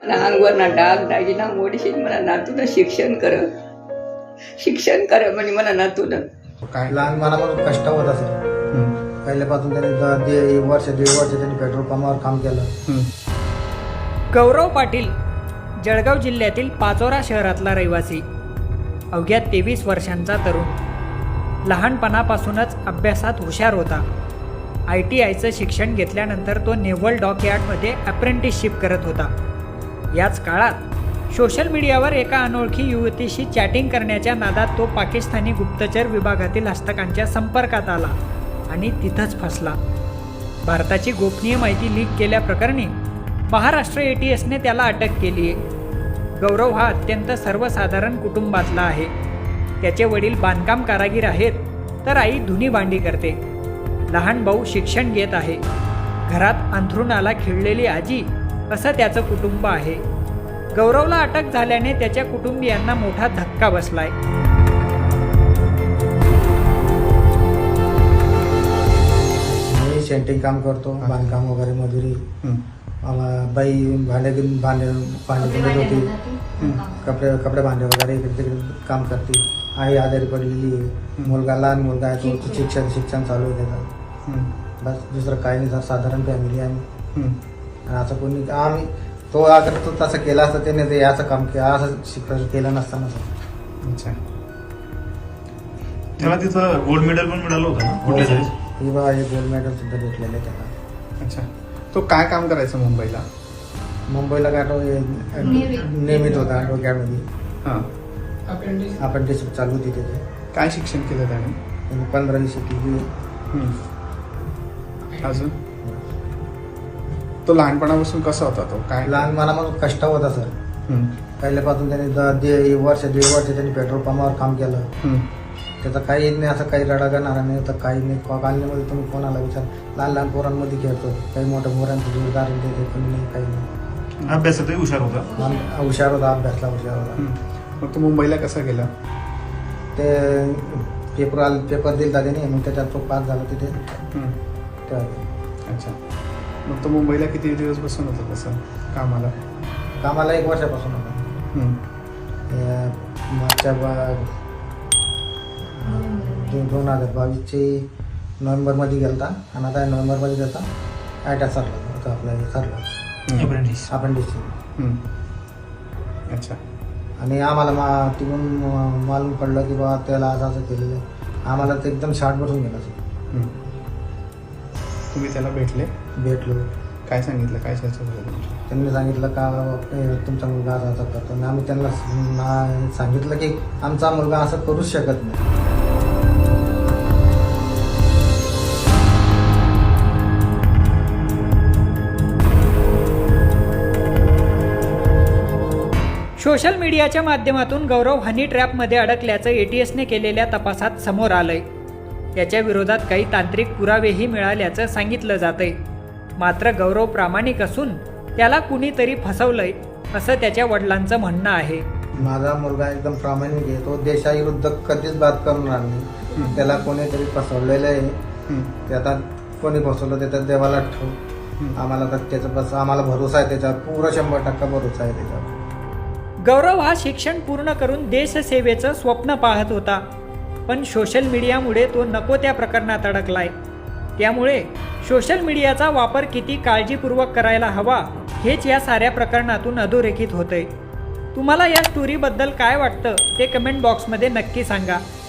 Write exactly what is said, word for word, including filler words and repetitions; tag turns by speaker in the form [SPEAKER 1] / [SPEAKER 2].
[SPEAKER 1] अंगावर डाग दागिना मोडशील मला नातून शिक्षण कर शिक्षण कर म्हणजे मला नातून
[SPEAKER 2] काय
[SPEAKER 3] लहानपणापासून कष्ट होता सर. पहिल्यापासून त्याने द- दीड वर्ष दीड वर्ष त्यांनी पेट्रोल पंपावर काम केलं.
[SPEAKER 4] गौरव पाटील जळगाव जिल्ह्यातील पाचोरा शहरातला रहिवासी, अवघ्या तेवीस वर्षांचा तरुण. लहानपणापासूनच अभ्यासात हुशार होता. आय टी आयचं शिक्षण घेतल्यानंतर तो नेव्हल डॉकयार्डमध्ये अप्रेंटिसशिप करत होता. याच काळात सोशल मीडियावर एका अनोळखी युवतीशी चॅटिंग करण्याच्या नादात तो पाकिस्तानी गुप्तचर विभागातील हस्तकांच्या संपर्कात आला आणि तिथंच फसला. भारताची गोपनीय माहिती लीक केल्याप्रकरणी महाराष्ट्र ए टी एसने त्याला अटक केली आहे. गौरव हा अत्यंत सर्वसाधारण कुटुंबातला आहे. त्याचे वडील बांधकाम कारागीर आहेत, तर आई धुनी भांडी करते. लहान भाऊ शिक्षण घेत आहे. घरात अंथरुणाला खिळलेली आजी असं त्याचं कुटुंब आहे. गौरवला अटक झाल्याने त्याच्या कुटुंबियांना मोठा धक्का बसलाय.
[SPEAKER 3] मी सेंटिंग काम करतो, बांधकाम वगैरे मजुरी. मला बाई भांडे भांडे भांडे धुत होती, कपडे कपडे भांडे वगैरे इकडे तिकडे काम करते. आई आजारी पडलेली आहे. मुलगा लहान मुलगा आहे, तो शिक्षण शिक्षण चालू आहे त्याचं. बस दुसरं काही नाही सर, साधारण फॅमिली आहे. आणि असं कोणी आम्ही तो अगर तो तसं केला असतं त्याने ते असं काम केलं, असं शिक्षण केलं नसताना सर.
[SPEAKER 2] अच्छा. त्याला तिथं गोल्ड मेडल पण मिळालं होतं ना कुठल्या तरी?
[SPEAKER 3] ही बा हे गोल्ड मेडल सुद्धा भेटलेलं आहे त्याला.
[SPEAKER 2] अच्छा. तो काय काम करायचं मुंबईला?
[SPEAKER 3] मुंबईला काय तो हे नियमित होता डोक्यामध्ये.
[SPEAKER 2] हां.
[SPEAKER 3] अप्रेंटिसशिप चालू होती त्याची.
[SPEAKER 2] काय शिक्षण केलं त्याने?
[SPEAKER 3] त्यांनी पंधरावी शिकली.
[SPEAKER 2] अजून तो लहानपणापासून कसा होता? तो काय
[SPEAKER 3] लहानपणापासून कष्ट होता सर. पहिल्यापासून त्याने द- दीड वर्ष दीड वर्ष त्यांनी पेट्रोल पंपावर काम केलं. त्याचं काही नाही, असं काही रडा करणार नाही तर काही नाही. कॉलनीमध्ये तुम्ही कोणाला विचार, लहान लहान पोरांमध्ये खेळतो, काही मोठ्या मोरांचं जोरदार देते, कोणी नाही, काही नाही.
[SPEAKER 2] अभ्यासातही हुशार होता.
[SPEAKER 3] आम- हुशार होता, अभ्यासला हुशार होता.
[SPEAKER 2] मग तो मुंबईला कसा गेला?
[SPEAKER 3] ते पेपर आल पेपर दिला त्याने, मग त्याच्यात तो पास झाला तिथे तेव्हा.
[SPEAKER 2] अच्छा. मग तो मुंबईला किती दिवस बसून होता तसं कामाला?
[SPEAKER 3] कामाला एक वर्षापासून होता. हे मागच्या बा- दोन दोन हजार बावीसचे नोव्हेंबरमध्ये गेला आणि आता नोव्हेंबरमध्ये त्याचा आयटा सरला होता, आपला हे सरला
[SPEAKER 2] अप्रेंटिस.
[SPEAKER 3] अपेंडिक्स.
[SPEAKER 2] अच्छा.
[SPEAKER 3] आणि आम्हाला मा तिकडून म- मालूम पडलं की बाबा त्याला असं असं केलेलं आहे. आम्हाला तर एकदम शार्ट बसून गेला सर.
[SPEAKER 2] तुम्ही त्याला भेटले?
[SPEAKER 3] भेटलो.
[SPEAKER 2] काय सांगितलं? काय चर्चा झाली तुमची?
[SPEAKER 3] त्यांनी सांगितलं का ए, तुमचा मुलगा असं असं करतो. आणि आम्ही त्यांना ना- सांगितलं की आमचा मुलगा असं करूच शकत नाही.
[SPEAKER 4] सोशल मीडियाच्या माध्यमातून गौरव हनी ट्रॅपमध्ये अडकल्याचं ए टी एसने केलेल्या तपासात समोर आलंय. त्याच्या विरोधात काही तांत्रिक पुरावेही मिळाल्याचं सांगितलं जातंय. मात्र गौरव प्रामाणिक असून त्याला कुणीतरी फसवलंय असं त्याच्या वडिलांचं म्हणणं आहे.
[SPEAKER 3] माझा मुलगा एकदम प्रामाणिक आहे. तो देशाविरुद्ध कधीच बात करणार नाही. त्याला कोणीतरी फसवलेलं आहे. ते आता कोणी फसवलं ते तर देवाला ठेव. आम्हाला तर त्याचा बस आम्हाला भरोसा आहे त्याच्यावर, पुरा शंभर टक्का भरोसा आहे त्याच्यावर.
[SPEAKER 4] गौरव हा शिक्षण पूर्ण करून देशसेवेचं स्वप्न पाहत होता, पण सोशल मीडियामुळे तो नको त्या प्रकरणात अडकलाय. त्यामुळे सोशल मीडियाचा वापर किती काळजीपूर्वक करायला हवा हेच या साऱ्या प्रकरणातून अधोरेखित होतंय. तुम्हाला या स्टोरीबद्दल काय वाटतं ते कमेंट बॉक्समध्ये नक्की सांगा.